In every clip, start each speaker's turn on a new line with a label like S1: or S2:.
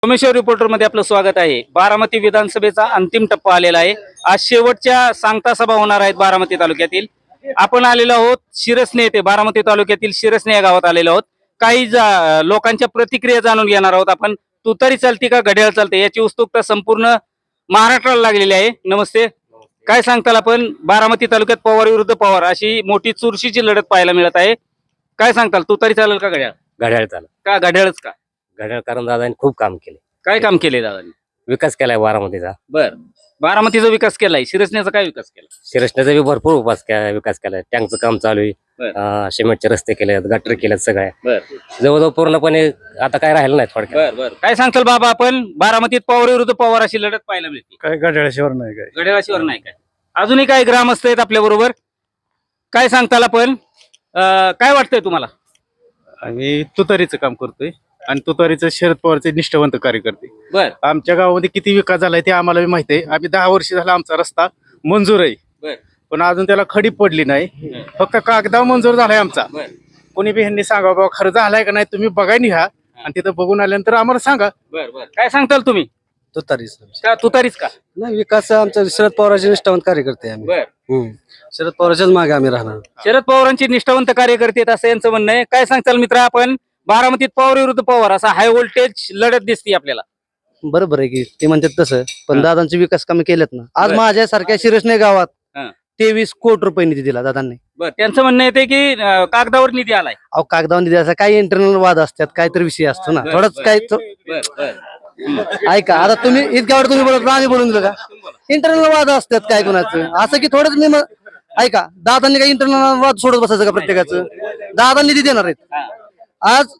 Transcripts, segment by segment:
S1: Someshwar reporter मध्ये आपलं स्वागत आहे। बारामती विधानसभेचा अंतिम टप्पा आलेला आहे। आज शेवटच्या सांगता सभा होणार आहेत बारामती तालुक्यातील। आपण आलेलो आहोत शिरसने येथे, बारामती तालुक्यातील शिरसने या गावात आलेलो आहोत। काही लोकांच्या प्रतिक्रिया जाणून घेणार आहोत आपण। तुतारी चालते का घड्याळ चालते याची उत्सुकता संपूर्ण महाराष्ट्राला लागलेली आहे। नमस्ते, काय सांगताल आपण? बारामती तालुक्यात पवार विरुद्ध पवार अशी मोठी चुरशीची लढत पाहायला मिळत आहे। काय सांगताल, तुतारी चालेल का घड्याळ?
S2: घड्याळ चालू
S1: का घड्याळच का?
S2: घड्याळ कारण दादांनी खूप काम केले,
S1: काय काम केले दादांनी?
S2: विकास केलाय बारामतीचा.
S1: बर, बारामतीचा विकास केलाय, शिरसण्याचा काय विकास केला?
S2: शिरसण्याचा बी भरपूर विकास केलाय. टँकचं काम चालू
S1: बर.
S2: आहे, सिमेंटचे रस्ते केलेत, गटर केलेत, सगळ्या
S1: बर
S2: जवळजवळ पूर्णपणे आता काय राहिलं नाही थोडक्यात.
S1: बर बर, काय सांगताल बाबा आपण? बारामतीत पवार विरुद्ध पवार अशी लढत पाहायला मिळते।
S3: काय घड्याळाशिवाय नाही काय
S1: घड्याळाशिवर नाही काय? अजूनही काही ग्रामस्थ आहेत आपल्या बरोबर, काय सांगताल आपण? काय वाटतंय तुम्हाला?
S3: आम्ही तुतारीचं काम करतोय आणि तुतारीचं शरद पवारचे निष्ठावंत कार्यकर्ते.
S1: बर
S3: आमच्या गावामध्ये किती विकास झालाय ते आम्हाला बी माहिती आहे. आम्ही 10 वर्ष झाला आमचा रस्ता मंजूर आहे,
S1: बर
S3: पण अजून त्याला खडी पडली नाही. फक्त कागदावर मंजूर झालाय आमचा.
S1: बर
S3: कोणी बी ह्यांनी सांगा बाबा खरं झालाय का नाही, तुम्ही बघाय निघा आणि तिथं बघून आल्यानंतर आम्हाला सांगा.
S1: बर बर, काय सांगताल तुम्ही?
S4: तुतारीच
S1: का तुतारीच का?
S4: नाही, विकास आमचा शरद पवारांचे निष्ठावंत कार्यकर्ते आहे आम्ही.
S1: बर,
S4: शरद पवारांच्याच मागे आम्ही राहणार.
S1: शरद पवारांची निष्ठावंत कार्यकर्ते आहेत असं यांचं म्हणणं आहे। काय सांगताल मित्र आपण? बारामतीत पवार विरुद्ध पवार असा हाय व्होल्टेज लढत दिसते आपल्याला।
S4: बरोबर आहे की ते म्हणतात तसं, पण
S1: हा.
S4: दादांचे विकास कामे केलेत ना. आज
S1: बर.
S4: माझ्यासारख्या शिरसने गावात
S1: हा.
S4: 23 कोटी रुपये निधी दिला दादांनी.
S1: बर, त्यांचं म्हणणं येते की कागदावर निधी आलाय।
S4: अहो, कागदावर निधी असा काही इंटरनल वाद असतात, काहीतरी विषय असतो ना.
S1: बर,
S4: थोडंच
S1: बर.
S4: काय
S1: बर बर,
S4: ऐका, आता तुम्ही इतक्यावर तुम्ही बोलत आम्ही बोलून दिलं का? इंटरनल वाद असतात काय कोणाचं, असं की थोडंच मी ऐका, दादांनी काही इंटरनल वाद सोडत बसायचं का प्रत्येकाचं? दादा निधी देणार आहेत आज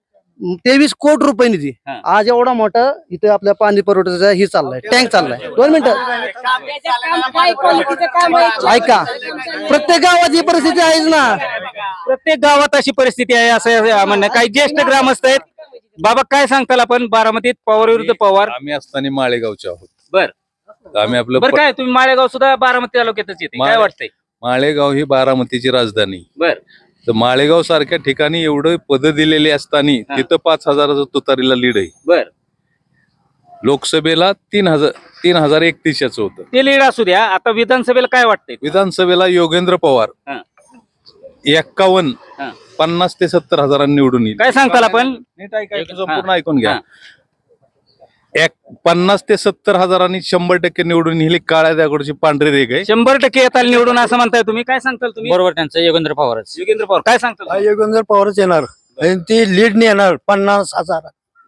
S4: 23 कोटी रुपये निधी.
S1: हा.
S4: आज एवढा मोठा इथे आपल्या पाणी पुरवठ्याचा ही चाललाय, टँक चाललाय. 2 मिनिटं ऐका, प्रत्येक गावात ही परिस्थिती आहेच ना.
S1: प्रत्येक गावात अशी परिस्थिती आहे असं म्हणणं. काही ज्येष्ठ ग्रामस्थ आहेत। बाबा काय सांगताल आपण? बारामतीत पवार विरुद्ध पवार।
S5: आम्ही असताना माळेगावचे आहोत.
S1: बर
S5: आम्ही आपलं
S1: बर, काय तुम्ही माळेगाव सुद्धा बारामती तालुक्यातच येते, काय वाटतंय?
S5: माळेगाव ही बारामतीची राजधानी.
S1: बर
S5: तर माळेगाव सारख्या ठिकाणी एवढं पद दिलेली असताना
S1: हा.
S5: तिथं 5,000 तुतारीला लीड आहे.
S1: बर,
S5: लोकसभेला 3,031 होतं.
S1: ते लीड असू द्या, आता विधानसभेला काय वाटतंय?
S5: विधानसभेला योगेंद्र पवार
S1: हा.
S5: 51
S1: हा.
S5: 50 ते 70 हजारांनी निवडून येईल.
S1: काय सांगताल आपण?
S5: नीट ऐकायचं,
S1: हा.
S5: संपूर्ण ऐकून घ्या.
S1: हा.
S5: 50 ते 70 हजारांनी 100% निवडून येईल. काळ्या दगडाची पांढरी रेग आहे.
S1: 100% येताल निवडून असं म्हणताय तुम्ही, काय सांगताल तुम्ही?
S2: बरोबर, त्यांचं योगेंद्र पवारच.
S1: योगेंद्र पवार, काय सांगताल तुम्ही?
S4: योगेंद्र पवारच येणार आणि ती लीड येणार 50,000.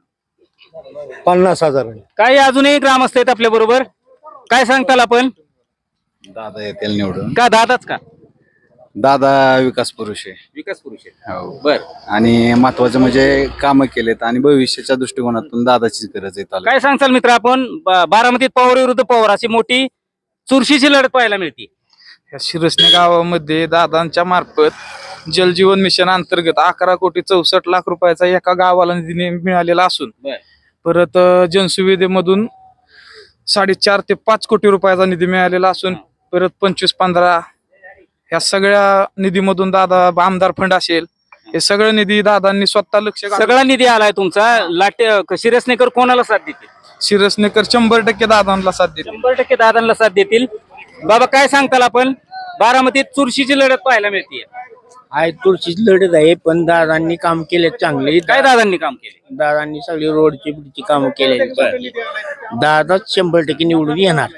S1: काही अजूनही ग्रामस्थ आहेत आपल्या बरोबर, काय सांगताल आपण?
S6: दादा येतील निवडून.
S1: का दादाच का?
S6: दादा विकास पुरुष आहे.
S1: विकास पुरुष आहे.
S6: हो.
S1: बर,
S6: आणि महत्वाचं म्हणजे कामं केलेत आणि भविष्याच्या दृष्टिकोनातून दादाचीच गरज आहे तालुक्यात.
S1: काय सांगताल मित्र आपण? बारामतीत पवार विरुद्ध पवार अशी मोठी चुरशीची लढत पाहायला मिळते।
S7: या शिरसने गावामध्ये दादांच्या मार्फत जलजीवन मिशन अंतर्गत 11,64,00,000 रुपयाचा एका गावाला निधी मिळालेला असून
S1: बर.
S7: परत जनसुविधेमधून 4.5 ते 5 कोटी रुपयाचा निधी मिळालेला असून परत 25-15 या सगळ्या निधीमधून दादा आमदार फंड असेल, हे सगळं निधी दादांनी स्वतः लक्ष घालून
S1: सगळा निधी आलाय तुमचा। लाटे शिरसनेकर कोणाला साथ देतील?
S7: शिरसनेकर 100% दादांना साथ देते.
S1: 100% दादांना साथ देतील। बाबा काय सांगताल आपण? बारामतीत चुरशीची लढत पाहायला मिळते।
S8: आहे तुळशीची लढत आहे, पण दादांनी काम केले चांगले.
S1: काय दादांनी काम केले?
S8: दादांनी सगळी रोडची बिडची कामं केलेली. दादाच 100% निवडून येणार.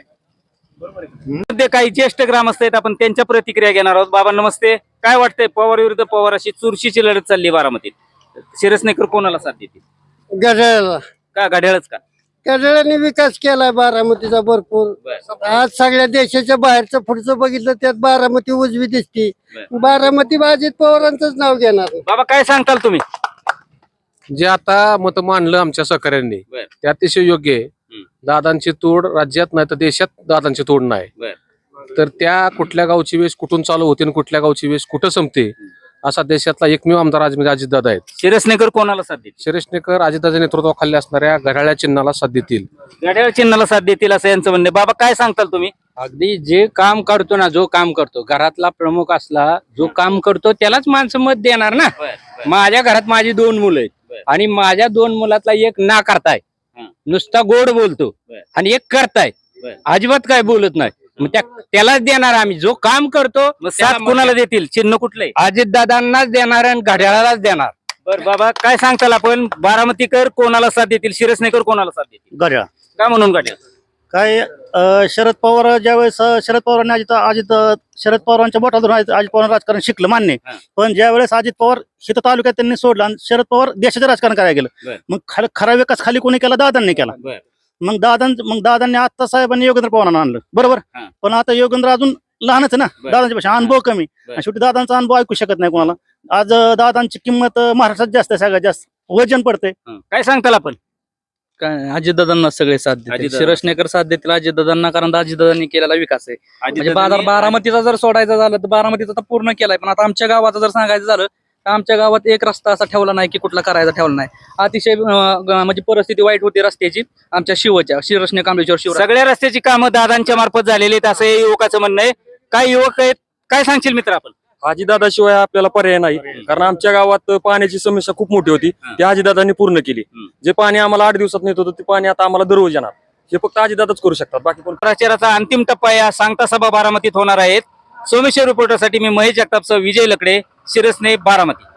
S1: मध्ये काही ज्येष्ठ ग्रामस्थ आहेत, आपण त्यांच्या प्रतिक्रिया घेणार आहोत। बाबा नमस्ते, काय वाटतंय? पवार विरुद्ध पवार अशी चुरशीची लढत चालली बारामतीत, शिरसनेकर कोणाला साथ देतील?
S4: घड्याळाला
S1: का घड्याळच का?
S4: घड्याळाने विकास केलाय बारामतीचा भरपूर. आज सगळ्या देशाच्या बाहेरचं पुढचं बघितलं त्यात बारामती उजवी दिसते. बारामती अजित पवारांचंच नाव घेणार.
S1: बाबा काय सांगताल तुम्ही?
S9: जे आता मत मांडलं आमच्या सहकाऱ्यांनी
S1: बर.
S9: ते अतिशय योग्य आहे. दादांची तोड राज्यात नाही तर देशात दादांची तोड नाही.
S1: बर.
S9: तर त्या कुठल्या गावची वेश कुठून चालू होते आणि कुठल्या गावची वेश कुठं संपते असा देशातला एकमेव आमदार म्हणजे अजितदादा आहेत.
S1: शिरसनेकर कोणाला साथ देतील?
S9: शिरसनेकर अजितदादाच्या नेतृत्वाखाली असणाऱ्या घड्याळ्या चिन्हाला साथ देतील.
S1: घड्याळ चिन्हाला साथ देतील असं यांचं म्हणणं आहे। बाबा काय सांगताल तुम्ही?
S8: अगदी जे काम करतो ना, जो काम करतो, घरातला प्रमुख असला जो काम करतो त्यालाच माणसं मत देणार ना. माझ्या घरात माझी 2 मुलं आहेत आणि माझ्या 2 मुलातला एक ना करताय नुसता गोड बोलतो
S1: बर.
S8: आणि एक करताय
S1: बर.
S8: अजिबात काय बोलत नाही मग त्यालाच देणार आम्ही जो काम करतो
S1: मग साथ कुणाला देतील चिन्ह कुठलंय
S8: अजितदादांनाच देणार आणि घड्याळालाच देणार.
S1: बर बाबा काय सांगताल आपण बारामतीकर कोणाला साथ देतील शिरसनेकर कोणाला साथ देतील
S4: घड्याळ
S1: का म्हणून घड्याळ
S4: काय शरद पवार ज्यावेळेस शरद पवारांनी अजित शरद पवारांच्या बोटात धरून अजित पवार राजकारण शिकलं मान्य आहे.
S1: हा.
S4: पण ज्यावेळेस अजित पवार शेत तालुक्यात त्यांनी सोडलं आणि शरद पवार देशाचं राजकारण करायला
S1: बर.
S4: गेलं मग खरा विकास खाली कोणी केला दादांनी केला
S1: बर.
S4: मग दादांनी आता साहेबांनी योगेंद्र पवारांना आणलं बरोबर
S1: हा.
S4: पण आता योगेंद्र अजून लहानच आहे ना
S1: बर.
S4: दादांच्या पेक्षा अनुभव कमी
S1: बर.
S4: आणि शेवटी दादांचा अनुभव ऐकू शकत नाही कोणाला आज दादांची किंमत महाराष्ट्रात जास्त आहे सगळ्यात जास्त वजन पडते
S1: काय सांगताल आपण
S10: काय अजितदादांना सगळे साथ देतील
S1: अजितदादा.
S10: शिरसनेकर साथ देतील अजितदादांना कारण अजितदादांनी केलेला विकास आहे म्हणजे
S1: अजितदादांनी-
S10: बारामतीचा जर सोडायचा झालं तर बारामतीचा तर पूर्ण केलाय पण आता आमच्या गावाचं जर सांगायचं झालं तर आमच्या गावात एक रस्ता असा ठेवला नाही की कुठला करायचा ठेवला नाही अतिशय म्हणजे परिस्थिती वाईट होती रस्त्याची आमच्या शिरसने कांबळेश्वर शिव
S1: सगळ्या रस्त्याची कामं दादांच्या मार्फत झालेली आहेत असं या युवकाचं म्हणणं आहे काय युवक आहेत काय सांगशील मित्र आपण
S11: अजितदादाशिवाय आपल्याला पर्याय नाही कारण आमच्या गावात पाण्याची समस्या खूप मोठी होती ती अजितदादांनी पूर्ण केली जे पाणी आम्हाला 8 दिवसात नेत होतं ते पाणी आता आम्हाला दररोज येणार हे फक्त अजितदादाच करू शकतात बाकी कोण
S1: प्रचाराचा अंतिम टप्पा या सांगता सभा बारामतीत होणार आहेत सोमेश्वर रिपोर्टरसाठी मी महेश जगतापसह विजय लकडे शिरसने बारामती.